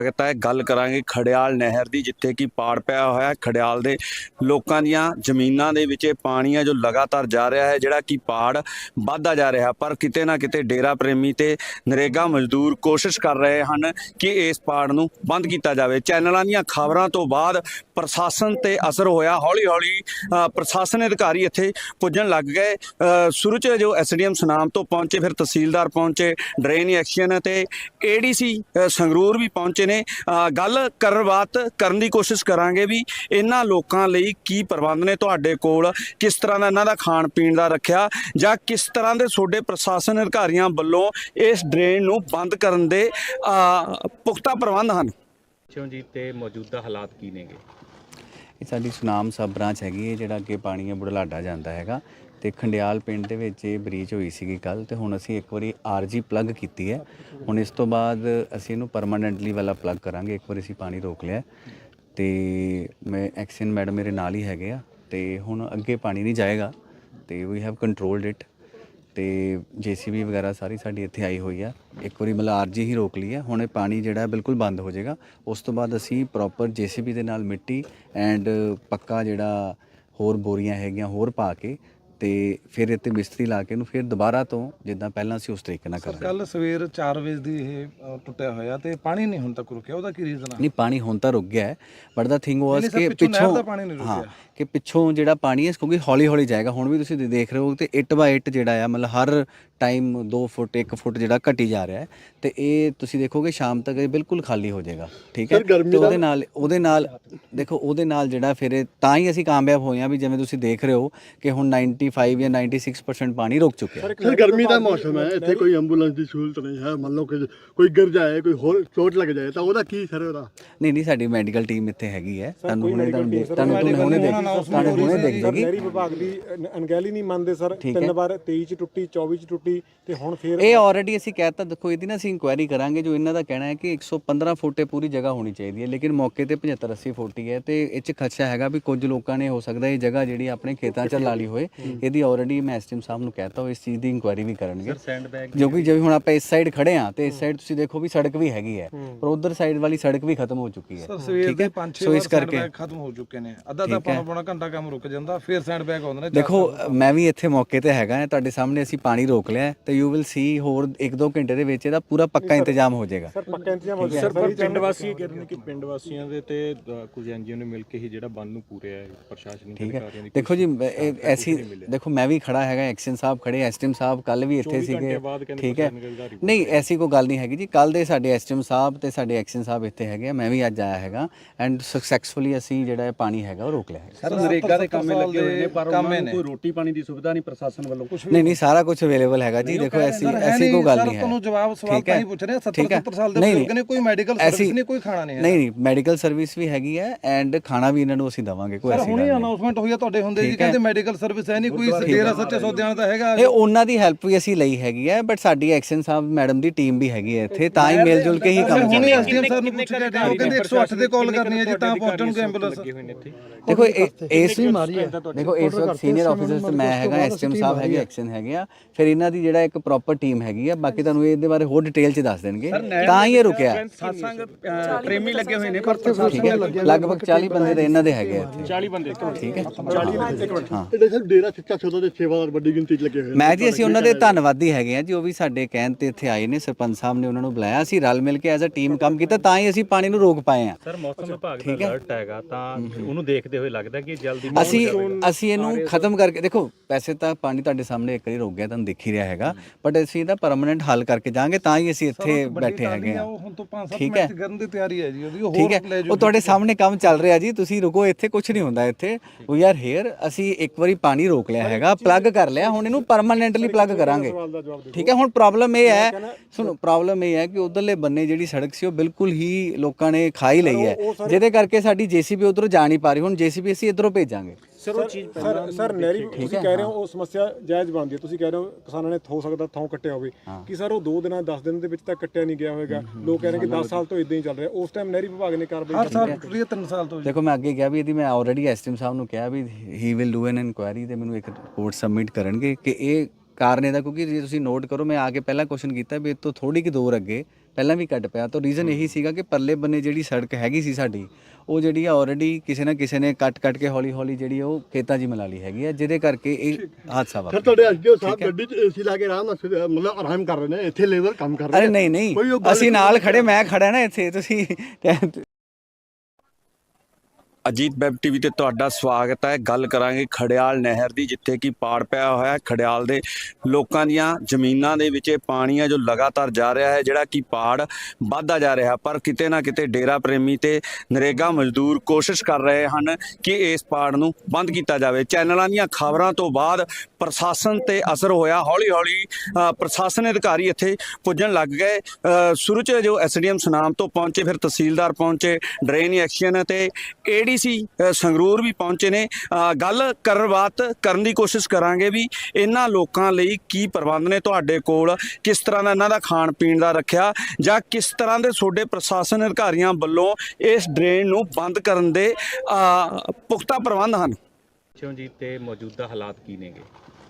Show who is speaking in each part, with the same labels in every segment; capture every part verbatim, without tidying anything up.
Speaker 1: ਤਾਂ ਇਹ ਗੱਲ ਕਰਾਂਗੇ ਖੜਿਆਲ ਨਹਿਰ ਦੀ, ਜਿੱਥੇ ਕਿ ਪਾੜ ਪਿਆ ਹੋਇਆ ਖੜਿਆਲ ਦੇ ਲੋਕਾਂ ਦੀਆਂ ਜ਼ਮੀਨਾਂ ਦੇ ਵਿੱਚ ਇਹ ਪਾਣੀ ਆ ਜੋ ਲਗਾਤਾਰ ਜਾ ਰਿਹਾ ਹੈ, ਜਿਹੜਾ ਕਿ ਪਾੜ ਵੱਧਦਾ ਜਾ ਰਿਹਾ। ਪਰ ਕਿਤੇ ਨਾ ਕਿਤੇ ਡੇਰਾ ਪ੍ਰੇਮੀ ਤੇ ਨਰੇਗਾ ਮਜ਼ਦੂਰ ਕੋਸ਼ਿਸ਼ ਕਰ ਰਹੇ ਹਨ ਕਿ ਇਸ ਪਾੜ ਨੂੰ ਬੰਦ ਕੀਤਾ ਜਾਵੇ। ਚੈਨਲਾਂ ਦੀਆਂ ਖਬਰਾਂ ਤੋਂ ਬਾਅਦ ਪ੍ਰਸ਼ਾਸਨ ਤੇ ਅਸਰ ਹੋਇਆ, ਹੌਲੀ ਹੌਲੀ ਪ੍ਰਸ਼ਾਸਨ ਅਧਿਕਾਰੀ ਇੱਥੇ ਪੁੱਜਣ ਲੱਗ ਗਏ। ਸ਼ੁਰੂ 'ਚ ਜੋ ਐਸ ਡੀ ਐਮ ਸੁਨਾਮ ਤੋਂ ਪਹੁੰਚੇ, ਫਿਰ ਤਹਿਸੀਲਦਾਰ ਪਹੁੰਚੇ, ਡਰੇਨ ਐਕਸ਼ਨ ਤੇ ਏ ਡੀ ਸੀ ਸੰਗਰੂਰ ਵੀ ਪਹੁੰਚੇ ਨੇ। ਗੱਲ ਕਰਨ ਬਾਤ ਕਰਨ ਦੀ ਕੋਸ਼ਿਸ਼ ਕਰਾਂਗੇ ਵੀ ਇਹਨਾਂ ਲੋਕਾਂ ਲਈ ਕੀ ਪ੍ਰਬੰਧ ਨੇ ਤੁਹਾਡੇ ਕੋਲ, ਕਿਸ ਤਰ੍ਹਾਂ ਦਾ ਇਹਨਾਂ ਦਾ ਖਾਣ ਪੀਣ ਦਾ ਰੱਖਿਆ, ਜਾਂ ਕਿਸ ਤਰ੍ਹਾਂ ਦੇ ਤੁਹਾਡੇ ਪ੍ਰਸ਼ਾਸਨ ਅਧਿਕਾਰੀਆਂ ਵੱਲੋਂ ਇਸ ਡਰੇਨ ਨੂੰ ਬੰਦ ਕਰਨ ਦੇ ਪੁਖਤਾ ਪ੍ਰਬੰਧ ਹਨ
Speaker 2: ਜੀ ਤੇ ਮੌਜੂਦਾ ਹਾਲਾਤ ਕੀ ਨੇਗੇ?
Speaker 3: ਇਹ ਸਾਡੀ ਸੁਨਾਮ ਸਬ ਬ੍ਰਾਂਚ ਹੈਗੀ ਹੈ, ਜਿਹੜਾ ਅੱਗੇ ਪਾਣੀ ਹੈ ਬੁਢਲਾਡਾ ਜਾਂਦਾ ਹੈਗਾ, ਤੇ ਖੰਡਿਆਲ ਪਿੰਡ ਦੇ ਵਿੱਚ ਇਹ ਬਰੀਚ ਹੋਈ ਸੀਗੀ ਕੱਲ, ਤੇ ਹੁਣ ਅਸੀਂ ਇੱਕ ਵਾਰੀ ਆਰ ਜੀ ਪਲੱਗ ਕੀਤੀ ਹੈ। ਹੁਣ ਇਸ ਤੋਂ ਬਾਅਦ ਅਸੀਂ ਇਹਨੂੰ ਪਰਮਾਨੈਂਟਲੀ ਵਾਲਾ ਪਲੱਗ ਕਰਾਂਗੇ। ਇੱਕ ਵਾਰੀ ਅਸੀਂ ਪਾਣੀ ਰੋਕ ਲਿਆ ਤੇ ਮੈਂ ਐਕਸ਼ਨ ਮੈਡਮ ਮੇਰੇ ਨਾਲ ਹੀ ਹੈਗੇ ਆ, ਤੇ ਹੁਣ ਅੱਗੇ ਪਾਣੀ ਨਹੀਂ ਜਾਏਗਾ ਤੇ ਵੀ ਹੈਵ ਕੰਟਰੋਲਡ ਇਟ। ਤੇ ਜੇ ਸੀ ਬੀ ਵਗੈਰਾ ਸਾਰੀ ਸਾਡੀ ਇੱਥੇ ਆਈ ਹੋਈ ਆ। ਇੱਕ ਵਾਰੀ ਮਤਲਬ ਆਰ ਜੀ ਹੀ ਰੋਕ ਲਈ ਹੈ, ਹੁਣ ਇਹ ਪਾਣੀ ਜਿਹੜਾ ਬਿਲਕੁਲ ਬੰਦ ਹੋ ਜਾਏਗਾ। ਉਸ ਤੋਂ ਬਾਅਦ ਅਸੀਂ ਪ੍ਰੋਪਰ ਜੇ ਸੀ ਬੀ ਦੇ ਨਾਲ ਮਿੱਟੀ ਐਂਡ ਪੱਕਾ ਜਿਹੜਾ ਹੋਰ ਬੋਰੀਆਂ ਹੈਗੀਆਂ ਹੋਰ ਪਾ ਕੇ ਤੇ ਫਿਰ ਇੱਥੇ ਮਿਸਤਰੀ ਲਾ ਕੇ ਇਹਨੂੰ ਫਿਰ ਦੁਬਾਰਾ ਤੋਂ ਜਿੱਦਾਂ ਪਹਿਲਾਂ ਅਸੀਂ ਉਸ ਤਰੀਕੇ ਨਾਲ ਕਰਾਂਗੇ।
Speaker 4: ਕੱਲ ਸਵੇਰ ਚਾਰ ਵਜੇ ਦੀ ਇਹ ਟੁੱਟਿਆ ਹੋਇਆ ਤੇ ਪਾਣੀ ਨਹੀਂ ਹੁਣ ਤੱਕ ਰੁਕਿਆ, ਉਹਦਾ ਕੀ ਰੀਜ਼ਨ ਆ?
Speaker 3: ਨਹੀਂ, ਪਾਣੀ ਹੁਣ ਤਾਂ ਰੁਕ ਗਿਆ ਹੈ, ਬਟ ਦਾ ਥਿੰਗ ਵਾਸ ਕਿ ਪਿੱਛੋਂ ਹਾਂ ਕਿ ਪਿੱਛੋਂ ਜਿਹੜਾ ਪਾਣੀ ਹੈ ਕਿਉਂਕਿ ਹੌਲੀ ਹੌਲੀ ਜਾਏਗਾ। ਹੁਣ ਵੀ ਤੁਸੀਂ ਦੇਖ ਰਹੇ ਹੋ ਤੇ ਇੱਟ ਬਾਈ ਇੱਟ ਜਿਹੜਾ ਆ ਮਤਲਬ ਹਰ ਟਾਈਮ ਦੋ ਫੁੱਟ ਇੱਕ ਫੁੱਟ ਜਿਹੜਾ ਘਟੀ ਜਾ ਰਿਹਾ ਹੈ, ਤੇ ਇਹ ਤੁਸੀਂ ਦੇਖੋਗੇ ਸ਼ਾਮ ਤੱਕ ਇਹ ਬਿਲਕੁਲ ਖਾਲੀ ਹੋ ਜਾਏਗਾ। ਠੀਕ ਹੈ, ਤੇ ਉਹਦੇ ਨਾਲ ਉਹਦੇ ਨਾਲ ਦੇਖੋ ਉਹਦੇ ਨਾਲ ਜਿਹੜਾ ਫਿਰ ਤਾਂ ਹੀ ਅਸੀਂ ਕਾਮਯਾਬ ਹੋਏ ਹਾਂ ਵੀ ਜਿਵੇਂ ਤੁਸੀਂ ਦੇਖ ਰਹੇ ਹੋ ਕਿ ਹੁਣ ਨਾਈਨਟੀ ਫਾਈਵ ਜਾਂ ਨਾਈਨਟੀ ਸਿਕਸ ਪਰਸੈਂਟ ਪਾਣੀ ਰੁਕ ਚੁੱਕਿਆ ਹੈ।
Speaker 5: ਸਰ ਗਰਮੀ ਦਾ ਮੌਸਮ ਹੈ, ਇੱਥੇ ਕੋਈ ਐਂਬੂਲੈਂਸ ਦੀ ਸਹੂਲਤ ਨਹੀਂ ਹੈ। ਮੰਨ ਲਓ ਕਿ ਕੋਈ ਗਿਰ ਜਾਏ, ਕੋਈ ਹੋਰ ਚੋਟ ਲੱਗ ਜਾਏ ਤਾਂ ਉਹਦਾ ਕੀ ਸਰ ਉਹਦਾ?
Speaker 3: ਨਹੀਂ ਨਹੀਂ, ਸਾਡੀ ਮੈਡੀਕਲ ਟੀਮ ਇੱਥੇ ਹੈਗੀ ਹੈ। ਤੁਹਾਨੂੰ ਹੁਣੇ ਤੁਹਾਨੂੰ ਦੇਖ ਤੁਹਾਨੂੰ ਹੁਣੇ ਦੇਖ ਤੁਹਾਨੂੰ ਹੁਣੇ ਦੇਖ ਜਾਏਗੀ।
Speaker 6: ਨਹਿਰੀ ਵਿਭਾਗ ਦੀ ਅਣਗਹਿਲੀ ਨਹੀਂ ਮੰਨਦੇ ਸਰ, ਤਿੰਨ ਵਾਰ ਤੇਈ ਚ ਟੁੱਟੀ, ਚੌਵੀ ਚ ਟੁੱਟੀ ਤੇ ਹੁਣ ਫਿਰ
Speaker 3: ਇਹ ਆਲਰੇਡੀ ਅਸੀਂ ਕਹਿਤਾ। ਦੇਖੋ ਇਹਦੀ ਨਾ ਅਸੀਂ ਇਨਕੁਆਇਰੀ ਕਰਾਂਗੇ। ਜੋ ਇਹਨਾਂ ਦਾ ਕਹਿਣਾ ਹੈ ਕਿ ਇੱਕ ਸੌ ਪੰਦਰਾਂ ਫੁੱਟ ਇਹ ਪੂਰੀ ਜਗ੍ਹਾ ਹੋਣੀ ਚਾਹੀਦੀ ਹੈ, ਲੇਕਿਨ ਮੌਕੇ ਤੇ ਪਝੱਤਰ ਅੱਸੀ ਫੁੱਟ ਹੀ ਹੈ, ਤੇ ਇਹ 'ਚ ਖਦਸ਼ਾ ਹੈਗਾ ਵੀ ਕੁਝ ਲੋਕਾਂ ਨੇ ਹੋ ਸਕਦਾ ਇਹ ਜਗ੍ਹਾ ਜਿਹੜੀ ਆਪਣੇ ਖੇਤਾਂ 'ਚ ਲਾ ਲਈ ਹੋਏ। ਇਹਦੀ ਆਲਰੇਡੀ ਮੈਂ ਐਸ ਡੀ ਐਮ ਸਾਹਿਬ ਨੂੰ ਕਹਿਤਾ ਉਹ ਇਸ ਚੀਜ਼ ਦੀ ਇਨਕੁਆਇਰੀ ਵੀ ਕਰਨਗੇ। ਜੋ ਕਿ ਜਿਵੇਂ ਹੁਣ ਆਪਾਂ ਇਸ ਸਾਈਡ ਖੜੇ ਹਾਂ ਤੇ ਇਸ ਸਾਈਡ ਤੁਸੀਂ ਦੇਖੋ ਵੀ ਸੜਕ ਵੀ ਹੈਗੀ ਹੈ, ਪਰ ਉਧਰ ਸਾਈਡ ਵਾਲੀ ਸੜਕ ਵੀ ਖਤਮ ਹੋ ਚੁੱਕੀ ਹੈ।
Speaker 4: ਠੀਕ ਹੈ, ਸੋ ਇਸ ਕਰਕੇ ਖਤਮ ਹੋ ਚੁੱਕੇ ਨੇ। ਅੱਧਾ ਅੱਧਾ ਪੌਣਾ ਪੌਣਾ ਘੰਟਾ ਕੰਮ ਰੁਕ ਜਾਂਦਾ, ਫਿਰ ਸੈਂਡ ਬੈਗ ਆਉਂਦੇ ਨੇ।
Speaker 3: ਦੇਖੋ ਮੈਂ ਵੀ ਇੱਥੇ ਮੌਕੇ ਤੇ ਹੈਗਾ, ਤੁਹਾਡੇ ਸਾਹਮਣੇ ਅਸੀਂ ਪਾਣੀ ਰੋਕ ਲਿਆ ਤੇ ਯੂ ਵਿਲ ਸੀ ਹੋਰ ਇੱਕ ਦੋ ਘੰਟੇ ਦੇ ਵਿੱਚ ਇਹਦਾ ਪੂਰਾ ਪੱਕਾ ਇੰਤਜ਼ਾਮ ਹੋ ਜਾਏਗਾ।
Speaker 6: ਸਰ ਪੱਕਾ ਇੰਤਜ਼ਾਮ ਹੋ
Speaker 2: ਜਾਏਗਾ। ਸਰ ਪਿੰਡ ਵਾਸੀ ਕਹਿ ਰਹੇ ਨੇ ਕਿ ਪਿੰਡ ਵਾਸੀਆਂ ਦੇ ਤੇ ਕੁਝ ਐਨ ਜੀ ਓ ਨੇ ਮਿਲ ਕੇ ਹੀ ਜਿਹੜਾ ਬੰਦ ਨੂੰ ਪੂਰਿਆ ਹੈ ਪ੍ਰਸ਼ਾਸਨਿਕ ਅਧਿਕਾਰੀਆਂ ਦੀ।
Speaker 3: ਦੇਖੋ ਜੀ ਐਸੀ ਦੇਖੋ ਮੈਂ ਵੀ ਖੜਾ ਹੈਗਾ, ਐਕਸ਼ਨ ਸਾਹਿਬ ਖੜੇ, ਐਸ ਡੀ ਐਮ ਸਾਹਿਬ ਕੱਲ ਵੀ ਇੱਥੇ ਸੀਗੇ। ਠੀਕ ਹੈ, ਨਹੀਂ ਐਸੀ ਕੋਈ ਗੱਲ ਨਹੀਂ ਹੈਗੀ ਜੀ। ਕੱਲ ਦੇ ਸਾਡੇ ਐਸ ਡੀ ਐਮ ਸਾਹਿਬ ਤੇ ਸਾਡੇ ਐਕਸ਼ਨ ਸਾਹਿਬ ਇੱਥੇ ਹੈਗੇ, ਮੈਂ ਵੀ ਅੱਜ ਆਇਆ ਹੈਗਾ ਐਂਡ ਸਕਸੈਸਫੁਲੀ ਅਸੀਂ ਜਿਹੜਾ ਪਾਣੀ ਹੈਗਾ ਉਹ ਰੋਕ ਲਿਆ ਹੈ।
Speaker 1: ਸਰ ਨਰੇਗਾ ਦੇ ਕੰਮੇ ਲੱਗੇ ਹੋਏ ਨੇ, ਪਰ ਉਹਨਾਂ ਨੂੰ ਕੋਈ ਰੋਟੀ ਪਾਣੀ ਦੀ ਸੁਵਿਧਾ ਨਹੀਂ ਪ੍ਰਸ਼ਾਸਨ ਵੱਲੋਂ?
Speaker 3: ਨਹੀਂ ਨਹੀਂ, ਸਾਰਾ ਕੁਝ ਅਵੇਲੇਬਲ ਹੈਗਾ ਜੀ। ਦੇਖੋ ਐਸੀ ਐਸੀ ਕੋਈ ਗੱਲ ਨਹੀਂ ਹੈ।
Speaker 4: ਤੁਹਾਨੂੰ ਜਵਾਬ ਸਵਾਲ ਤਾਂ ਹੀ ਪੁੱਛ ਰਹੇ, ਸੱਤਰ ਸੱਤਰ ਸਾਲ ਦੇ ਬਜ਼ੁਰਗ ਨੇ, ਕੋਈ ਮੈਡੀਕਲ ਸਰਵਿਸ ਨਹੀਂ, ਕੋਈ ਖਾਣਾ ਨਹੀਂ ਹੈ।
Speaker 3: ਨਹੀਂ ਨਹੀਂ, ਮੈਡੀਕਲ ਸਰਵਿਸ ਵੀ ਹੈਗੀ ਹੈ ਐਂਡ ਖਾਣਾ ਵੀ ਇਹਨਾਂ ਨੂੰ ਅਸੀਂ ਦੇਵਾਂਗੇ। ਕੋਈ ਐਸੀ ਗੱਲ ਨਹੀਂ।
Speaker 4: ਹੁਣੇ ਅਨਾਉਂਸਮੈਂਟ ਹੋਈ ਆ ਤੁਹਾਡੇ ਹੁੰਦੇ ਜੀ, ਕਹਿੰਦੇ ਮੈਡੀਕਲ ਸਰਵਿਸ ਹੈ ਨਹੀਂ, ਕੋਈ ਡੇਰਾ ਸੱਚੇ ਸੌਦਿਆਂ ਦਾ ਹੈਗਾ।
Speaker 3: ਇਹ ਉਹਨਾਂ ਦੀ ਹੈਲਪ ਵੀ ਅਸੀਂ ਲਈ ਹੈਗੀ ਹੈ, ਬਟ ਸਾਡੀ ਐਕਸ਼ਨ ਸਾਹਿਬ ਮੈਡਮ ਦੀ ਟੀਮ ਵੀ ਹੈਗੀ ਹੈ ਇੱਥੇ, ਤਾਂ ਹੀ ਮਿਲ ਜੁਲ ਕੇ ਹੀ ਕੰਮ
Speaker 4: ਹੁਣੇ ਐਸਡੀਐਮ ਸਰ ਨੂੰ ਪੁੱਛ ਕੇ ਉਹ ਕਹਿੰਦੇ ਇੱਕ ਸੌ ਅੱਠ ਤੇ ਕਾਲ ਕਰਨੀ ਹੈ ਜੀ ਤਾਂ ਪਹੁੰਚਣਗੇ ਐਂਬੂਲੈਂਸ।
Speaker 3: ਦੇਖੋ ਇਸ ਵੀ ਮਾਰੀ ਹੈ। ਦੇਖੋ ਇਸ ਵਕਤ ਸੀਨੀਅਰ ਆਫੀਸਰਸ ਤੇ ਮੈਂ ਹੈਗਾ, ਐਸਡੀਐਮ ਸਾਹਿਬ ਹੈਗੇ, ਐਕਸ਼ਨ ਹੈਗੇ ਆ, ਫਿਰ ਇਹਨਾਂ ਦੀ ਜਿਹੜਾ ਇੱਕ ਪ੍ਰੋਪਰ ਟੀਮ ਹੈਗੀ ਆ। ਬਾਕੀ ਤੁਹਾਨੂੰ ਇਹਦੇ ਬਾਰੇ ਹੋਰ ਡਿਟੇਲ ਚ ਦੱਸ ਦੇਣਗੇ, ਤਾਂ ਹੀ ਇਹ ਰੁਕਿਆ।
Speaker 1: ਸਾਸੰਗ ਪ੍ਰੇਮੀ ਲੱਗੇ ਹੋਏ ਨੇ, ਪਰ
Speaker 3: ਠੀਕ ਹੈ, ਲਗਭਗ ਚਾਲੀ ਬੰਦੇ ਤਾਂ ਇਹਨਾਂ ਦੇ ਹੈਗੇ ਆ ਇੱਥੇ।
Speaker 2: ਚਾਲੀ ਬੰਦੇ
Speaker 3: ਠੀਕ ਹੈ,
Speaker 5: ਹਾਂ ਇਹਦੇ ਸਰ ਡੇਰਾ ਸੱਚਾ ਸੌਦਾ ਦੇ ਸੇਵਾਦਾਰ ਵੱਡੀ ਗਿਣਤੀ ਚ ਲੱਗੇ ਹੋਏ।
Speaker 3: ਮੈਂ ਜੀ ਅਸੀਂ ਉਹਨਾਂ ਦੇ ਧੰਨਵਾਦੀ ਹੈਗੇ ਆ ਜੀ, ਉਹ ਵੀ ਸਾਡੇ ਕਹਿਣ ਤੇ ਇੱਥੇ ਆਏ ਨੇ। ਸਰਪੰਚ ਸਾਹਿਬ ਨੇ ਉਹਨਾਂ ਨੂੰ ਬੁਲਾਇਆ, ਅਸੀਂ ਰਲ ਮਿਲ ਕੇ ਐਜ਼ ਅ ਟੀਮ ਕੰਮ ਕੀਤਾ, ਤਾਂ ਹੀ ਅਸੀਂ ਪਾਣੀ ਨੂੰ ਰੋਕ ਪਾਏ ਆ।
Speaker 2: ਸਰ ਮੌਸਮ ਵਿਭਾਗ ਦਾ ਅਲਰਟ ਹੈਗਾ, ਤਾਂ ਉਹਨੂੰ ਦੇਖਦੇ ਹੋਏ ਲੱਗਦਾ ਕਿ ਜਲਦੀ
Speaker 3: ਅਸੀਂ ਅਸੀਂ ਇਹਨੂੰ ਖਤਮ ਕਰਕੇ ਦੇਖੋ, ਵੈਸੇ ਤਾਂ ਪਾਣੀ ਤੁਹਾਡੇ ਸਾਹਮਣੇ ਇੱਕ ਵਾਰੀ ਰੁਕ ਗਿਆ, ਤੁਹਾਨੂੰ ਦਿਖ ਹੀ ਰਿਹਾ ਹੈਗਾ, ਬਟ ਅਸੀਂ ਇਹਦਾ ਪਰਮਾਨੈਂਟ ਹੱਲ ਕਰਕੇ ਜਾਾਂਗੇ, ਤਾਂ ਹੀ ਅਸੀਂ ਇੱਥੇ ਬੈਠੇ ਹੈਗੇ ਆ। ਠੀਕ ਹੈ,
Speaker 4: ਕਰਨ ਦੀ ਤਿਆਰੀ ਹੈ ਜੀ ਉਹਦੀ, ਉਹ
Speaker 3: ਠੀਕ ਹੈ, ਉਹ ਤੁਹਾਡੇ ਸਾਹਮਣੇ ਕੰਮ ਚੱਲ ਰਿਹਾ ਜੀ, ਤੁਸੀਂ ਰੁਕੋ, ਇੱਥੇ ਕੁਝ ਨਹੀਂ ਹੁੰਦਾ। ਇੱਥੇ ਵੀ ਆਰ ਹੇਅਰ, ਅਸੀਂ ਇੱਕ ਵਾਰੀ ਪਾਣੀ ਰੋਕ ਲਿਆ ਹੈਗਾ, ਪਲੱਗ ਕਰ ਲਿਆ, ਹੁਣ ਇਹਨੂੰ ਪਰਮਾਨੈਂਟਲੀ ਪਲੱਗ ਕਰਾਂਗੇ। ਠੀਕ ਹੈ, ਹੁਣ ਪ੍ਰੋਬਲਮ ਇਹ ਹੈ, ਸੁਣੋ ਪ੍ਰੋਬਲਮ ਇਹ ਹੈ ਕਿ ਉਧਰਲੇ ਬੰਨੇ ਜਿਹੜੀ ਸੜਕ ਸੀ ਉਹ ਬਿਲਕੁਲ ਹੀ ਲੋਕਾਂ ਨੇ ਖਾ ਹੀ ਲਈ ਹੈ, ਜਿਹਦੇ ਕਰਕੇ ਸਾਡੀ ਜੇਸੀਬੀ ਉਧਰੋਂ ਜਾ ਨਹੀਂ ਪਾ ਰਹੀ। ਹੁਣ ਜੇਸੀਬੀ ਅਸੀਂ ਇੱਧਰੋਂ ਭੇਜਾਂਗੇ।
Speaker 6: ਸਰ ਉਹ ਚੀਜ਼ ਸਰ ਸਰ ਨਹਿਰੀ ਤੁਸੀਂ ਕਹਿ ਰਹੇ ਹੋ ਉਹ ਸਮੱਸਿਆ ਜਾਇਜ਼ ਬਣਦੀ ਹੈ, ਤੁਸੀਂ ਕਹਿ ਰਹੇ ਹੋ ਕਿਸਾਨਾਂ ਨੇ ਹੋ ਸਕਦਾ ਥਾਂ ਕੱਟਿਆ ਹੋਵੇ, ਕਿ ਸਰ ਉਹ ਦੋ ਦਿਨਾਂ ਦਸ ਦਿਨ ਦੇ ਵਿੱਚ ਤਾਂ ਕੱਟਿਆ ਨਹੀਂ ਗਿਆ ਹੋਵੇਗਾ। ਲੋਕ ਕਹਿ ਰਹੇ ਕਿ ਦਸ ਸਾਲ ਤੋਂ ਇਦਾਂ ਹੀ ਚੱਲ ਰਿਹਾ, ਉਸ ਟਾਈਮ ਨਹਿਰੀ ਵਿਭਾਗ ਨੇ ਕਾਰਵਾਈ
Speaker 4: ਹਰ ਸਾਲ ਟੁੱਟੀ ਤਿੰਨ ਸਾਲ ਤੋਂ।
Speaker 3: ਦੇਖੋ ਮੈਂ ਅੱਗੇ ਕਿਹਾ ਵੀ ਇਹਦੀ ਮੈਂ ਆਲਰੇਡੀ ਐਸਟੀਐਮ ਸਾਹਿਬ ਨੂੰ ਕਿਹਾ ਵੀ he will do an inquiry, ਤੇ ਮੈਨੂੰ ਇੱਕ ਰਿਪੋਰਟ ਸਬਮਿਟ ਕਰਨਗੇ ਕਿ ਇਹ ਕਾਰਨ ਇਹਦਾ। ਕਿਉਂਕਿ ਜੇ ਤੁਸੀਂ ਨੋਟ ਕਰੋ, ਮੈਂ ਆ ਕੇ ਪਹਿਲਾਂ ਕੁਐਸਚਨ ਕੀਤਾ ਵੀ ਇਹ ਤੋਂ ਥੋੜੀ ਕਿ ਦੂਰ ਅੱਗੇ ਪਹਿਲਾਂ ਵੀ ਘਟ ਪਿਆ। ਤਾਂ ਰੀਜ਼ਨ ਇਹੀ ਸੀਗਾ ਕਿ ਪਰਲੇ ਬੰਨੇ ਜਿਹੜੀ ਸੜਕ ਹੈਗੀ ਸੀ ਸਾਡੀ, ਉਹ ਜਿਹੜੀ ਆ ਆਲਰੇਡੀ ਕਿਸੇ ਨਾ ਕਿਸੇ ਨੇ ਕੱਟ ਕੱਟ ਕੇ ਹੌਲੀ ਹੌਲੀ ਜਿਹੜੀ ਉਹ ਖੇਤਾਂ 'ਚ ਮਿਲਾ ਲਈ ਹੈਗੀ ਆ, ਜਿਹਦੇ ਕਰਕੇ ਇਹ ਹਾਦਸਾ
Speaker 5: ਸਰ
Speaker 3: ਵਾਪਰਿਆ।
Speaker 5: ਤੁਹਾਡੇ ਐਸਡੀਓ ਸਾਹਿਬ ਗੱਡੀ 'ਚ ਏਸੀ ਲਾ ਕੇ ਆਰਾਮ ਨਾਲ ਸੁ- ਮਤਲਬ ਆਰਾਮ ਕਰ ਰਹੇ ਨੇ, ਇੱਥੇ ਲੇਬਰ ਕੰਮ ਕਰ ਰਹੀ
Speaker 3: ਅਰੇ
Speaker 5: ਹੈ।
Speaker 3: ਨਹੀਂ ਨਹੀਂ,
Speaker 5: ਕੋਈ ਉਹ ਗੱਲ
Speaker 3: ਅਸੀਂ ਨਾਲ ਖੜੇ, ਮੈਂ ਖੜਾ ਨਾ ਇੱਥੇ, ਤੁਸੀਂ
Speaker 1: ਅਜੀਤ ਵੈਬ ਟੀਵੀ ਤੇ ਤੁਹਾਡਾ ਸਵਾਗਤ ਹੈ। ਗੱਲ ਕਰਾਂਗੇ ਖੜਿਆਲ ਨਹਿਰ ਦੀ, ਜਿੱਥੇ ਕਿ ਪਾੜ ਪਿਆ ਹੋਇਆ ਹੈ। ਖੜਿਆਲ ਦੇ ਲੋਕਾਂ ਦੀਆਂ ਜ਼ਮੀਨਾਂ ਦੇ ਵਿੱਚ ਇਹ ਪਾਣੀ ਹੈ ਜੋ ਲਗਾਤਾਰ ਜਾ ਰਿਹਾ ਹੈ, ਜਿਹੜਾ ਕਿ ਪਾੜ ਵੱਧਦਾ ਜਾ ਰਿਹਾ। ਪਰ ਕਿਤੇ ਨਾ ਕਿਤੇ ਡੇਰਾ ਪ੍ਰੇਮੀ ਤੇ ਨਰੇਗਾ ਮਜ਼ਦੂਰ ਕੋਸ਼ਿਸ਼ ਕਰ ਰਹੇ ਹਨ ਕਿ ਇਸ ਪਾੜ ਨੂੰ ਬੰਦ ਕੀਤਾ ਜਾਵੇ। ਚੈਨਲਾਂ ਦੀਆਂ ਖਬਰਾਂ ਤੋਂ ਬਾਅਦ ਪ੍ਰਸ਼ਾਸਨ ਤੇ ਅਸਰ ਹੋਇਆ। ਹੌਲੀ ਹੌਲੀ ਅ, ਪ੍ਰਸ਼ਾਸਨ ਅਧਿਕਾਰੀ ਇੱਥੇ ਪੁੱਜਣ ਲੱਗ ਗਏ। ਅ, ਸ਼ੁਰੂ 'ਚ ਜੋ ਐਸਡੀਐਮ ਸੁਨਾਮ ਤੋਂ ਪਹੁੰਚੇ, ਫਿਰ ਤਹਿਸੀਲਦਾਰ ਪਹੁੰਚੇ, ਡਰੇਨ ਐਕਸ਼ਨ ਤੇ ਏਡੀਸੀ ਸੰਗਰੂਰ ਵੀ ਪਹੁੰਚੇ ਨੇ। ਅ, ਗੱਲ ਕਰਨ ਬਾਤ ਕਰਨ ਦੀ ਕੋਸ਼ਿਸ਼ ਕਰਾਂਗੇ ਵੀ ਇਹਨਾਂ ਲੋਕਾਂ ਲਈ ਕੀ ਪ੍ਰਬੰਧ ਨੇ ਤੁਹਾਡੇ ਕੋਲ, ਕਿਸ ਤਰ੍ਹਾਂ ਦਾ ਇਹਨਾਂ ਦਾ ਖਾਣ ਪੀਣ ਦਾ ਰੱਖਿਆ, ਜਾਂ ਕਿਸ ਤਰ੍ਹਾਂ ਦੇ ਤੁਹਾਡੇ ਪ੍ਰਸ਼ਾਸਨ ਅਧਿਕਾਰੀਆਂ ਵੱਲੋਂ ਇਸ ਡਰੇਨ ਨੂੰ ਬੰਦ ਕਰਨ ਦੇ ਅ, ਪੁਖਤਾ ਪ੍ਰਬੰਧ ਹਨ।
Speaker 2: ਜੀ ਤੇ ਮੌਜੂਦਾ ਹਾਲਾਤ ਕੀ ਨੇਗੇ?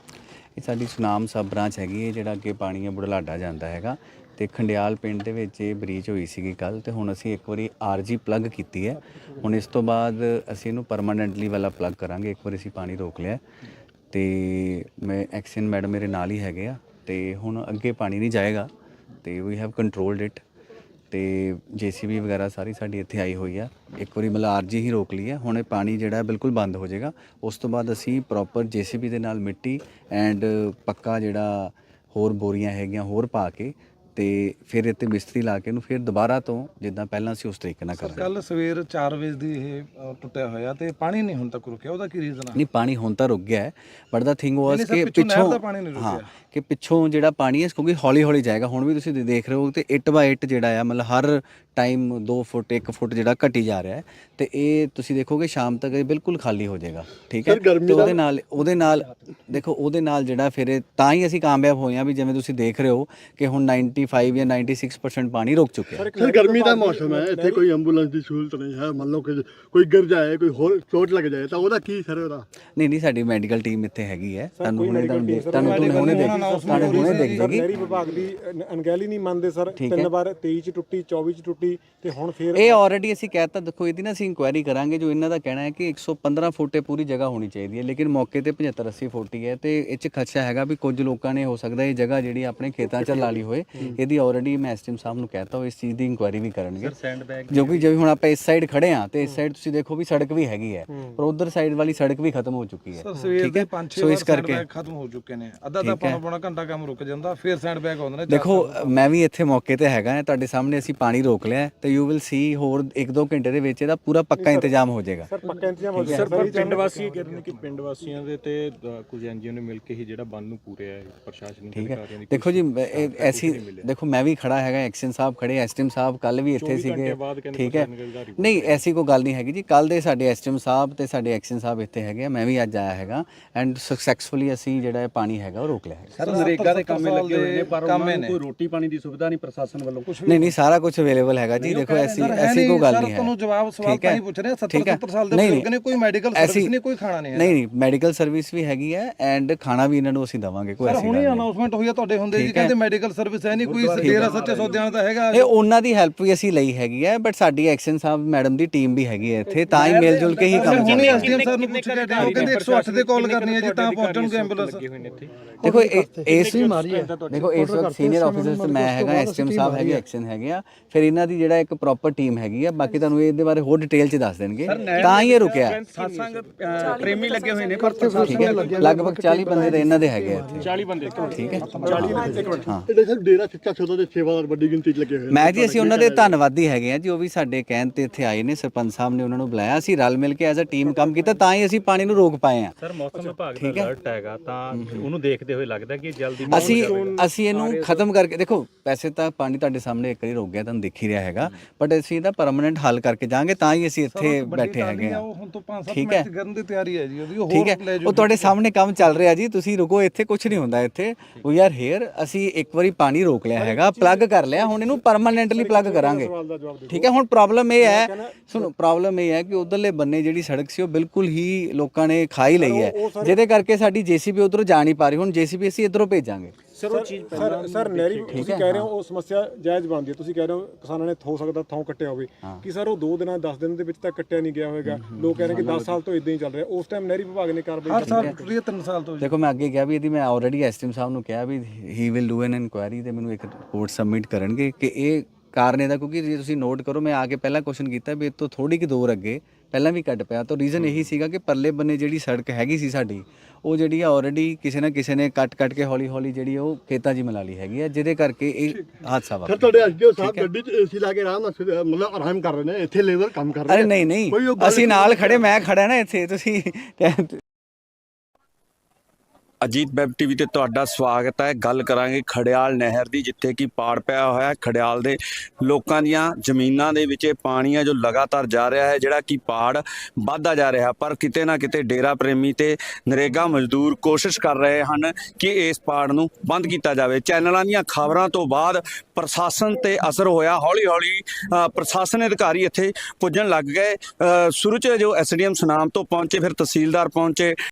Speaker 3: ਇਹ ਸਾਡੀ ਸੁਨਾਮ ਸਬ ਬ੍ਰਾਂਚ ਹੈਗੀ ਹੈ, ਜਿਹੜਾ ਅੱਗੇ ਪਾਣੀ ਹੈ ਬੁਢਲਾਡਾ ਜਾਂਦਾ ਹੈਗਾ, ਤੇ ਖੰਡਿਆਲ ਪਿੰਡ ਦੇ ਵਿੱਚ ਇਹ ਬ੍ਰੀਚ ਹੋਈ ਸੀਗੀ ਕੱਲ, ਤੇ ਹੁਣ ਅਸੀਂ ਇੱਕ ਵਾਰੀ ਆਰਜੀ ਪਲੱਗ ਕੀਤੀ ਹੈ। ਹੁਣ ਇਸ ਤੋਂ ਬਾਅਦ ਅਸੀਂ ਇਹਨੂੰ ਪਰਮਾਨੈਂਟਲੀ ਵਾਲਾ ਪਲੱਗ ਕਰਾਂਗੇ। ਇੱਕ ਵਾਰੀ ਅਸੀਂ ਪਾਣੀ ਰੋਕ ਲਿਆ, ਤੇ ਮੈਂ ਐਕਸ਼ਨ ਮੈਡਮ ਮੇਰੇ ਨਾਲ ਹੀ ਹੈਗੇ ਆ, ਤੇ ਹੁਣ ਅੱਗੇ ਪਾਣੀ ਨਹੀਂ ਜਾਏਗਾ, ਤੇ ਵੀ ਹੈਵ ਕੰਟਰੋਲਡ ਇਟ। ਤੇ ਜੇਸੀਬੀ ਵਗੈਰਾ ਸਾਰੀ ਸਾਡੀ ਇੱਥੇ ਆਈ ਹੋਈ ਆ। ਇੱਕ ਵਾਰੀ ਮਤਲਬ ਆਰਜੀ ਹੀ ਰੋਕ ਲਈ ਹੈ, ਹੁਣ ਇਹ ਪਾਣੀ ਜਿਹੜਾ ਬਿਲਕੁਲ ਬੰਦ ਹੋ ਜਾਏਗਾ। ਉਸ ਤੋਂ ਬਾਅਦ ਅਸੀਂ ਪ੍ਰੋਪਰ ਜੇਸੀਬੀ ਦੇ ਨਾਲ ਮਿੱਟੀ ਐਂਡ ਪੱਕਾ ਜਿਹੜਾ ਹੋਰ ਬੋਰੀਆਂ ਹੈਗੀਆਂ ਹੋਰ ਪਾ ਕੇ, ਤੇ ਫਿਰ ਇੱਥੇ ਮਿਸਤਰੀ ਲਾ ਕੇ ਇਹਨੂੰ ਫਿਰ ਦੁਬਾਰਾ ਤੋਂ ਜਿੱਦਾਂ ਪਹਿਲਾਂ ਸੀ ਉਸ ਤਰੀਕੇ ਨਾਲ ਕਰਾਂਗੇ।
Speaker 4: ਕੱਲ ਸਵੇਰ ਚਾਰ ਵਜੇ ਦੀ ਇਹ ਅ, ਟੁੱਟਿਆ ਹੋਇਆ ਤੇ ਪਾਣੀ ਨਹੀਂ ਹੁਣ ਤੱਕ ਰੁਕਿਆ, ਉਹਦਾ ਕੀ ਰੀਜ਼ਨ ਆ?
Speaker 3: ਨਹੀਂ, ਪਾਣੀ ਹੁਣ ਤਾਂ ਰੁਕ ਗਿਆ ਹੈ, ਬਟ ਦਾ ਥਿੰਗ ਵਾਸ
Speaker 4: ਨਹੀਂ ਸਰ,
Speaker 3: ਕਿ
Speaker 4: ਪਿੱਛੋਂ ਨਹਿਰ
Speaker 3: ਪਿੱਛੋਂ
Speaker 4: ਦਾ ਪਾਣੀ ਨਹੀਂ
Speaker 3: ਹਾਂ
Speaker 4: ਰੁਕਿਆ।
Speaker 3: ਕਿ ਪਿੱਛੋਂ ਜਿਹੜਾ ਪਾਣੀ ਹੈ ਕਿਉਂਕਿ ਹੌਲੀ ਹੌਲੀ ਜਾਏਗਾ। ਹੁਣ ਵੀ ਤੁਸੀਂ ਦੇਖ ਰਹੇ ਹੋ ਤੇ ਇੱਟ ਬਾਈ ਇੱਟ ਜਿਹੜਾ ਆ ਮਤਲਬ ਹਰ ਟਾਈਮ ਦੋ ਫੁੱਟ ਇੱਕ ਫੁੱਟ ਜਿਹੜਾ ਘਟੀ ਜਾ ਰਿਹਾ ਹੈ, ਤੇ ਇਹ ਤੁਸੀਂ ਦੇਖੋਗੇ ਸ਼ਾਮ ਤੱਕ ਇਹ ਬਿਲਕੁਲ ਖਾਲੀ ਹੋ ਜਾਏਗਾ। ਠੀਕ ਹੈ,
Speaker 5: ਸਰ, ਗਰਮੀ
Speaker 3: ਤੇ
Speaker 5: ਦਾ-
Speaker 3: ਉਹਦੇ ਨਾਲ ਉਹਦੇ ਨਾਲ ਦੇਖੋ ਉਹਦੇ ਨਾਲ ਜਿਹੜਾ ਫਿਰ ਇਹ ਤਾਂ ਹੀ ਅਸੀਂ ਕਾਮਯਾਬ ਹੋਏ ਹਾਂ ਵੀ ਜਿਵੇਂ ਤੁਸੀਂ ਦੇਖ ਰਹੇ ਹੋ ਕਿ ਹੁਣ ਪਚਾਨਵੇਂ ਜਾਂ ਛਿਆਨਵੇਂ ਪਰਸੈਂਟ ਪਾਣੀ ਰੁਕ ਚੁੱਕਿਆ ਹੈ।
Speaker 5: ਸਰ ਗਰਮੀ ਦਾ ਮੌਸਮ ਹੈ, ਇੱਥੇ ਕੋਈ ਐਂਬੂਲੈਂਸ ਦੀ ਸਹੂਲਤ ਨਹੀਂ ਹੈ। ਮੰਨ ਲਓ ਕਿ ਕੋਈ ਗਿਰ ਜਾਏ, ਕੋਈ ਹੋਰ ਚੋਟ ਲੱਗ ਜਾਏ ਤਾਂ ਉਹਦਾ ਕੀ ਸਰ ਉਹਦਾ?
Speaker 3: ਨਹੀਂ ਨਹੀਂ, ਸਾਡੀ ਮੈਡੀਕਲ ਟੀਮ ਇੱਥੇ ਹੈਗੀ ਹੈ, ਤੁਹਾਨੂੰ
Speaker 6: ਕੋਈ
Speaker 3: ਹੁਣੇ
Speaker 6: medical
Speaker 3: ਤੁਹਾਨੂੰ
Speaker 6: team
Speaker 3: ਦੇਖ
Speaker 6: ਸਰ,
Speaker 3: ਤੁਹਾਨੂੰ
Speaker 4: medical
Speaker 3: ਹੁਣੇ
Speaker 4: team
Speaker 3: ਦੇਖ
Speaker 4: announcement
Speaker 3: ਤੁਹਾਨੂੰ
Speaker 4: ਹੋ ਰਹੀ
Speaker 3: ਹੁਣੇ
Speaker 4: ਸੀ
Speaker 3: ਦੇਖ
Speaker 6: ਸਰ
Speaker 3: ਜਾਏਗੀ।
Speaker 6: ਨਹਿਰੀ ਵਿਭਾਗ ਦੀ ਅਨ- ਅਣਗਹਿਲੀ ਨਹੀਂ ਮੰਨਦੇ ਸਰ।
Speaker 3: ਠੀਕ ਹੈ।
Speaker 6: ਤਿੰਨ ਵਾਰ ਤੇਈ ਚ ਟੁੱਟੀ, ਚੌਵੀ ਚ ਟੁੱਟੀ, ਤੇ ਹੁਣ ਫੇਰ
Speaker 3: ਇਹ ਆਲਰੇਡੀ ਅਸੀਂ ਕਹਿਤਾ, ਦੇਖੋ ਇਹਦੀ ਨਾ ਅਸੀਂ ਇਨਕੁਆਇਰੀ ਕਰਾਂਗੇ। ਜੋ ਇਹਨਾਂ ਦਾ ਕਹਿਣਾ ਹੈ ਕਿ ਇੱਕ ਸੌ ਪੰਦਰਾਂ ਫੁੱਟ ਇਹ ਪੂਰੀ ਜਗ੍ਹਾ ਹੋਣੀ ਚਾਹੀਦੀ ਹੈ, ਲੇਕਿਨ ਮੌਕੇ ਤੇ ਪਝੱਤਰ ਅੱਸੀ ਫੁੱਟ ਹੀ ਹੈ, ਤੇ ਇਹ 'ਚ ਖਦਸ਼ਾ ਹੈਗਾ ਵੀ ਕੁਝ ਲੋਕਾਂ ਨੇ ਹੋ ਸਕਦਾ ਇਹ ਜਗ੍ਹਾ ਜਿਹੜੀ ਆਪਣੇ ਖੇਤਾਂ 'ਚ ਲਾ ਲਈ ਹੋਏ। ਇਹਦੀ ਆਲਰੇਡੀ ਮੈਂ ਐਸਟੀਐਮ ਸਾਹਿਬ ਨੂੰ ਕਹਿਤਾ ਉਹ ਇਸ ਚੀਜ਼ ਦੀ ਇਨਕੁਆਇਰੀ ਵੀ ਕਰਨਗੇ। ਜੋ ਕਿ ਜਿਵੇਂ ਹੁਣ ਆਪਾਂ ਇਸ ਸਾਈਡ ਖੜੇ ਆ ਤੇ ਇਸ ਸਾਈਡ ਤੁਸੀਂ ਦੇਖੋ ਵੀ ਸੜਕ ਵੀ ਹੈਗੀ ਹੈ, ਪਰ ਉਧਰ ਸਾਈਡ ਵਾਲੀ ਸੜਕ ਵੀ ਖਤਮ ਹੋ ਚੁੱਕੀ ਹੈ।
Speaker 4: ਸਰ ਸਵੇਰ
Speaker 3: ਠੀਕ
Speaker 4: ਦੇ
Speaker 3: ਹੈ,
Speaker 4: ਪੰਜ ਛੇ
Speaker 3: ਸੋ
Speaker 4: ਵਾਰ
Speaker 3: ਇਸ
Speaker 4: ਸੈਂਡ
Speaker 3: ਕਰਕੇ
Speaker 4: ਬੈਗ ਖਤਮ ਹੋ ਚੁੱਕੇ ਨੇ। ਅੱਧਾ ਤਾਂ ਪੌਣਾ ਪੌਣਾ ਘੰਟਾ ਕੰਮ ਰੁਕ ਜਾਂਦਾ, ਫਿਰ ਸੈਂਡ ਬੈਗ ਆਉਂਦੇ ਨੇ।
Speaker 3: ਦੇਖੋ ਮੈਂ ਵੀ ਇੱਥੇ ਮੌਕੇ ਤੇ ਹੈਗਾ ਹਾਂ, ਤੁਹਾਡੇ ਸਾਹਮਣੇ ਅਸੀਂ ਪਾਣੀ ਰੋਕ ਲਿਆ, ਤੇ ਯੂ ਵਿਲ ਸੀ ਹੋਰ ਇੱਕ ਦੋ ਘੰਟੇ ਦੇ ਵਿੱਚ ਇਹਦਾ ਪੂਰਾ ਪੱਕਾ ਇੰਤਜ਼ਾਮ ਹੋ ਜਾਏਗਾ।
Speaker 6: ਸਰ ਪੱਕਾ ਇੰਤਜ਼ਾਮ ਹੋ
Speaker 2: ਸਰ
Speaker 6: ਜਾਏਗਾ।
Speaker 2: ਪਰ ਪਿੰਡ ਵਾਸੀ ਇਹ ਕਹਿੰਦੇ ਨੇ ਕਿ ਪਿੰਡ ਵਾਸੀਆਂ ਦੇ ਤੇ ਅ, ਕੁਝ ਐਨਜੀਓ ਨੇ ਮਿਲ ਕੇ ਹੀ ਜਿਹੜਾ ਬੰਨ ਨੂੰ ਪੂਰਿਆ ਹੈ ਪ੍ਰਸ਼ਾਸਨਿਕ
Speaker 3: ਠੀਕ ਹੈ,
Speaker 2: ਅਧਿਕਾਰੀਆਂ ਦੀ।
Speaker 3: ਦੇਖੋ ਜੀ ਇਹ ਐਸੀ ਦੇਖੋ ਮੈਂ ਵੀ ਖੜਾ ਹੈਗਾ, ਐਕਸ਼ਨ ਸਾਹਿਬ ਖੜੇ, ਐਸਟੀਐਮ ਸਾਹਿਬ ਕੱਲ ਵੀ ਇੱਥੇ ਸੀਗੇ। ਠੀਕ ਹੈ, ਨਹੀਂ ਐਸੀ ਕੋਈ ਗੱਲ ਨਹੀਂ ਹੈਗੀ ਜੀ। ਕੱਲ ਦੇ ਸਾਡੇ ਐਸਟੀਐਮ ਸਾਹਿਬ ਤੇ ਸਾਡੇ ਐਕਸ਼ਨ ਸਾਹਿਬ ਇੱਥੇ ਹੈਗੇ ਆ, ਮੈਂ ਵੀ ਅੱਜ ਆਇਆ ਹੈਗਾ, ਐਂਡ ਸਕਸੈਸਫੁਲੀ ਅਸੀਂ ਜਿਹੜਾ ਇਹ ਪਾਣੀ ਹੈਗਾ ਉਹ ਰੋਕ ਲਿਆ ਹੈਗਾ।
Speaker 4: ਸਰ ਨਰੇਗਾ ਦੇ ਕੰਮ ਲੱਗੇ ਹੋਏ ਨੇ, ਪਰ ਉਹਨਾਂ ਨੂੰ ਕੋਈ
Speaker 2: ਰੋਟੀ ਪਾਣੀ ਦੀ ਸੁਵਿਧਾ ਨਹੀਂ ਪ੍ਰਸ਼ਾਸਨ ਵੱਲੋਂ ਕੁਝ।
Speaker 3: ਨਹੀਂ ਨਹੀਂ, ਸਾਰਾ ਕੁਝ ਅਵੇਲੇਬਲ ਹੈਗਾ ਜੀ। ਦੇਖੋ ਐਸੀ ਐਸੀ ਕੋਈ ਗੱਲ ਨਹੀਂ ਹੈ।
Speaker 4: ਤੁਹਾਨੂੰ ਜਵਾਬ ਸਵਾਲ ਤਾਂ ਹੀ ਪੁੱਛ ਰਹੇ, ਸੱਤਰ ਸੱਤਰ ਸਾਲ ਦੇ ਬਜ਼ੁਰਗ ਨੇ, ਕੋਈ ਮੈਡੀਕਲ ਸਰਵਿਸ ਨਹੀਂ, ਕੋਈ ਖਾਣਾ ਨਹੀਂ ਹੈ।
Speaker 3: ਨਹੀਂ ਨਹੀਂ, ਮੈਡੀਕਲ ਸਰਵਿਸ ਵੀ ਹੈਗੀ ਹੈ, ਐਂਡ ਖਾਣਾ ਵੀ ਇਹਨਾਂ ਨੂੰ ਅਸੀਂ ਦਵਾਂਗੇ, ਕੋਈ
Speaker 4: ਸਰ
Speaker 3: ਐਸੀ ਗੱਲ
Speaker 4: ਹੁਣੇ
Speaker 3: ਨਹੀਂ।
Speaker 4: ਅਨਾਉਂਸਮੈਂਟ ਹੋਈ ਹੈ ਤੁਹਾਡੇ ਹੁੰਦੇ ਜੀ, ਕਹਿੰਦੇ ਮੈਡੀਕਲ ਸਰਵਿਸ ਹੈ ਨਹੀਂ ਕੋਈ, ਡੇਰਾ ਸੱਚੇ ਸੌਦਿਆਂ ਦਾ ਹੈਗਾ।
Speaker 3: ਇਹ ਉਹਨਾਂ ਦੀ ਹੈਲਪ ਵੀ ਅਸੀਂ ਲਈ ਹੈਗੀ ਹੈ, ਬਟ ਸਾਡੀ ਐਕਸ਼ਨ ਸਾਹਿਬ ਮੈਡਮ ਦੀ ਟੀਮ ਵੀ ਹੈਗੀ ਹੈ ਇੱਥੇ, ਤਾਂ ਹੀ ਮਿਲ ਜੁਲ ਕੇ ਹੀ ਕੰਮ
Speaker 4: ਹੁਣੇ
Speaker 3: ਚੱਲਦਾ।
Speaker 4: ਐਸਡੀਐਮ ਸਰ ਨੂੰ ਪੁੱਛ ਕੇ ਹਟੇ, ਉਹ ਕਹਿੰਦੇ ਇੱਕ ਸੌ ਅੱਠ ਤੇ ਕਾਲ ਕਰਨੀ ਹੈ ਜੀ ਤਾਂ ਪਹੁੰਚਣਗੇ ਐਂਬੂਲੈਂਸ।
Speaker 3: ਦੇਖੋ ਇਹ- ਇਸ ਦੇਖੋ ਇਸ ਵਕਤ ਸੀਨੀਅਰ ਆਫੀਸਰਸ ਤੇ ਮੈਂ ਹੈਗਾ, ਐਸਐਮ ਸਾਹਿਬ ਹੈਗੇ, ਐਕਸ਼ਨ ਹੈਗੇ ਆ, ਫਿਰ ਇਹਨਾਂ ਦੀ ਜਿਹੜਾ ਇੱਕ ਪ੍ਰੋਪਰ ਟੀਮ ਹੈਗੀ ਆ। ਬਾਕੀ ਤੁਹਾਨੂੰ ਇਹਦੇ ਬਾਰੇ ਹੋਰ ਡਿਟੇਲ ਚ ਦੱਸ ਦੇਣਗੇ, ਤਾਂ ਹੀ ਇਹ ਰੁਕਿਆ।
Speaker 2: ਸਾਸੰਗ ਪ੍ਰੇਮੀ ਲੱਗੇ ਹੋਏ ਨੇ,
Speaker 3: ਠੀਕ ਹੈ, ਲਗਭਗ ਚਾਲੀ ਬੰਦੇ ਤਾਂ ਇਹਨਾਂ ਦੇ ਹੈਗੇ ਆ ਇੱਥੇ।
Speaker 2: ਚਾਲੀ ਬੰਦੇ
Speaker 3: ਠੀਕ ਹੈ, ਹਾਂ।
Speaker 5: ਇਹਦੇ ਸਰ ਡੇਰਾ ਸੱਚਾ ਸੌਦਾ ਦੇ ਸੇਵਾਦਾਰ ਵੱਡੀ ਗਿਣਤੀ 'ਚ ਲੱਗੇ ਹੋਏ ਨੇ।
Speaker 3: ਮੈਂ ਜੀ ਅਸੀਂ ਉਹਨਾਂ ਦੇ ਧੰਨਵਾਦੀ ਹੈਗੇ ਆ ਜੀ, ਉਹ ਵੀ ਸਾਡੇ ਕਹਿਣ ਤੇ ਇੱਥੇ ਆਏ ਨੇ, ਸਰਪੰਚ ਸਾਹਿਬ ਨੇ ਉਹਨਾਂ ਨੂੰ ਬੁਲਾਇਆ, ਅਸੀਂ ਰਲ ਮਿਲ ਕੇ ਐਜ਼ ਅ ਟੀਮ ਕੰਮ ਕੀਤਾ, ਤਾਂ ਹੀ ਅਸੀਂ ਪਾਣੀ ਨੂੰ ਰੋਕ ਪਾਏ ਆ।
Speaker 2: ਸਰ ਮੌਸਮ ਵਿਭਾਗ ਦਾ ਅਲਰਟ ਹੈਗਾ, ਤਾਂ ਉਹਨੂੰ ਦੇਖਦੇ ਹੋਏ ਲੱਗਦਾ ਕਿ ਜਲਦੀ
Speaker 3: ਅਸੀਂ ਅਸੀਂ ਇਹਨੂੰ ਖਤਮ ਕਰਕੇ, ਦੇਖੋ ਵੈਸੇ ਤਾਂ ਪਾਣੀ ਤੁਹਾਡੇ ਸਾਹਮਣੇ ਇੱਕ ਵਾਰੀ ਰੁਕ ਗਿਆ, ਤੁਹਾਨੂੰ ਦਿਖ ਹੀ ਰਿਹਾ ਹੈਗਾ, ਬਟ ਅਸੀਂ ਇਹਦਾ ਪਰਮਾਨੈਂਟ ਹੱਲ ਕਰਕੇ ਜਾਾਂਗੇ, ਤਾਂ ਹੀ ਅਸੀਂ ਇੱਥੇ ਬੈਠੇ ਹੈਗੇ ਆ।
Speaker 4: ਉਹ ਹੁਣ ਤੋਂ ਪੰਜ ਸੱਤ
Speaker 3: ਠੀਕ ਹੈ,
Speaker 4: ਮਿੰਟ ਕਰਨ ਦੀ ਤਿਆਰੀ ਹੈ ਜੀ ਉਹਦੀ, ਉਹ
Speaker 3: ਠੀਕ ਹੈ,
Speaker 4: ਹੋਰ ਲੈ
Speaker 3: ਉਹ ਤੁਹਾਡੇ ਸਾਹਮਣੇ ਕੰਮ ਚੱਲ ਰਿਹਾ ਜੀ, ਤੁਸੀਂ ਰੁਕੋ, ਇੱਥੇ ਕੁਝ ਨਹੀਂ ਹੁੰਦਾ। ਇੱਥੇ ਵੀ ਆਰ ਹੇਅਰ, ਅਸੀਂ ਇੱਕ ਵਾਰੀ ਪਾਣੀ ਰੋਕ ਲਿਆ ਹੈਗਾ, ਪਲੱਗ ਕਰ ਲਿਆ, ਹੁਣ ਇਹਨੂੰ ਪਰਮਾਨੈਂਟਲੀ ਪਲੱਗ ਕਰਾਂਗੇ। ਠੀਕ ਹੈ, ਹੁਣ ਪ੍ਰੋਬਲਮ ਇਹ ਹੈ, ਸੁਣੋ ਪ੍ਰੋਬਲਮ ਇਹ ਹੈ ਕਿ ਉਧਰਲੇ ਬੰਨੇ ਜਿਹੜੀ ਸੜਕ ਸੀ ਉਹ ਬਿਲਕੁਲ ਹੀ ਲੋਕਾਂ ਨੇ ਖਾਈ ਲਈ ਹੈ, ਜਿਹਦੇ ਕਰਕੇ ਸਾਡੀ ਜੇਸੀਬੀ ਉਧਰੋਂ ਜਾ ਨਹੀਂ ਪਾ ਰਹੀ। ਹੁਣ ਜੇਸੀਬੀ ਅਸੀਂ ਇਧਰੋਂ ਭੇਜਾਂਗੇ।
Speaker 2: ਸਰ ਉਹ ਚੀਜ਼
Speaker 6: ਸਰ ਸਰ ਨਹਿਰੀ ਤੁਸੀਂ ਕਹਿ ਰਹੇ ਹੋ ਉਹ ਸਮੱਸਿਆ ਜਾਇਜ਼ ਬਣਦੀ ਹੈ, ਤੁਸੀਂ ਕਹਿ ਰਹੇ ਹੋ ਕਿਸਾਨਾਂ ਨੇ ਹੋ ਸਕਦਾ ਥਾਂ ਕੱਟਿਆ ਹੋਵੇ ਕਿ ਸਰ ਉਹ ਦੋ ਦਿਨਾਂ ਦਸ ਦਿਨ ਦੇ ਵਿੱਚ ਤਾਂ ਕੱਟਿਆ ਨਹੀਂ ਗਿਆ ਹੋਵੇਗਾ, ਲੋਕ ਕਹਿ ਰਹੇ ਕਿ ਦਸ ਸਾਲ ਤੋਂ ਇਦਾਂ ਹੀ ਚੱਲ ਰਿਹਾ, ਉਸ ਟਾਈਮ ਨਹਿਰੀ ਵਿਭਾਗ ਨੇ ਕਾਰਵਾਈ
Speaker 4: ਹਰ ਸਾਲ ਟੁੱਟ ਰਹੀ ਹੈ ਤਿੰਨ ਸਾਲ ਤੋਂ
Speaker 3: ਦੇਖੋ ਮੈਂ ਅੱਗੇ ਕਿਹਾ ਵੀ ਇਹਦੀ ਮੈਂ ਆਲਰੇਡੀ ਐਸਟੀਐਮ ਸਾਹਿਬ ਨੂੰ ਕਿਹਾ ਵੀ he will do an inquiry ਤੇ ਮੈਨੂੰ ਇੱਕ ਰਿਪੋਰਟ ਸਬਮਿਟ ਕਰਨਗੇ ਕਿ ਇਹ ਕਾਰਨ ਇਹਦਾ, ਕਿਉਂਕਿ ਜੇ ਤੁਸੀਂ ਨੋਟ ਕਰੋ ਮੈਂ ਆ ਕੇ ਪਹਿਲਾਂ ਕੁਐਸਚਨ ਕੀਤਾ ਵੀ ਇਹ ਤੋਂ ਥੋੜੀ ਕਿ ਦੂਰ ਅੱਗੇ ਪਹਿਲਾਂ ਵੀ ਕੱਟ ਪਿਆ ਤਾਂ ਰੀਜ਼ਨ ਇਹੀ ਸੀਗਾ ਕਿ ਪਰਲੇ ਬੰਨੇ ਜਿਹੜੀ ਸੜਕ ਹੈਗੀ ਸੀ ਸਾਡੀ ਉਹ ਜਿਹੜੀ ਆ ਆਲਰੇਡੀ ਕਿਸੇ ਨਾ ਕਿਸੇ ਨੇ ਕੱਟ ਕੱਟ ਕੇ ਹੌਲੀ ਹੌਲੀ ਜਿਹੜੀ ਉਹ ਖੇਤਾਂ 'ਚ ਹੀ ਮਿਲਾ ਲਈ ਹੈਗੀ ਆ, ਜਿਹਦੇ ਕਰਕੇ ਇਹ ਹਾਦਸਾ
Speaker 5: ਸਰ
Speaker 3: ਵਾਪਰਿਆ।
Speaker 5: ਤੁਹਾਡੇ ਐਸਡੀਓ ਸਾਹਿਬ ਗੱਡੀ 'ਚ ਏਸੀ ਲਾ ਕੇ ਆਰਾਮ ਨਾਲ ਸ- ਮਤਲਬ ਆਰਾਮ ਕਰ ਰਹੇ ਨੇ, ਇੱਥੇ ਲੇਬਰ ਕੰਮ ਕਰ ਰਹੇ
Speaker 3: ਅਰੇ ਨਹੀਂ ਨਹੀਂ
Speaker 5: ਕੋਈ ਉਹ ਗੱਲ
Speaker 3: ਅਸੀਂ ਨਾਲ ਖੜੇ, ਮੈਂ ਖੜਾ ਨਾ ਇੱਥੇ, ਤੁਸੀਂ
Speaker 1: ਅਜੀਤ ਵੈਬ ਟੀਵੀ ਤੇ ਤੁਹਾਡਾ ਸਵਾਗਤ ਹੈ। ਗੱਲ ਕਰਾਂਗੇ ਖੜਿਆਲ ਨਹਿਰ ਦੀ, ਜਿੱਥੇ ਕਿ ਪਾੜ ਪਿਆ ਹੋਇਆ ਹੈ। ਖੜਿਆਲ ਦੇ ਲੋਕਾਂ ਦੀਆਂ ਜ਼ਮੀਨਾਂ ਦੇ ਵਿੱਚ ਇਹ ਪਾਣੀ ਹੈ ਜੋ ਲਗਾਤਾਰ ਜਾ ਰਿਹਾ ਹੈ, ਜਿਹੜਾ ਕਿ ਪਾੜ ਵੱਧਦਾ ਜਾ ਰਿਹਾ, ਪਰ ਕਿਤੇ ਨਾ ਕਿਤੇ ਡੇਰਾ ਪ੍ਰੇਮੀ ਤੇ ਨਰੇਗਾ ਮਜ਼ਦੂਰ ਕੋਸ਼ਿਸ਼ ਕਰ ਰਹੇ ਹਨ ਕਿ ਇਸ ਪਾੜ ਨੂੰ ਬੰਦ ਕੀਤਾ ਜਾਵੇ। ਚੈਨਲਾਂ ਦੀਆਂ ਖਬਰਾਂ ਤੋਂ ਬਾਅਦ ਪ੍ਰਸ਼ਾਸਨ ਤੇ ਅਸਰ ਹੋਇਆ, ਹੌਲੀ ਹੌਲੀ ਅ, ਪ੍ਰਸ਼ਾਸਨ ਅਧਿਕਾਰੀ ਇੱਥੇ ਪੁੱਜਣ ਲੱਗ ਗਏ। ਅ, ਸ਼ੁਰੂ 'ਚ ਜੋ ਐਸਡੀਐਮ ਸੁਨਾਮ ਤੋਂ ਪਹੁੰਚੇ, ਫਿਰ ਤਹਿਸੀਲਦਾਰ ਪਹੁੰਚੇ,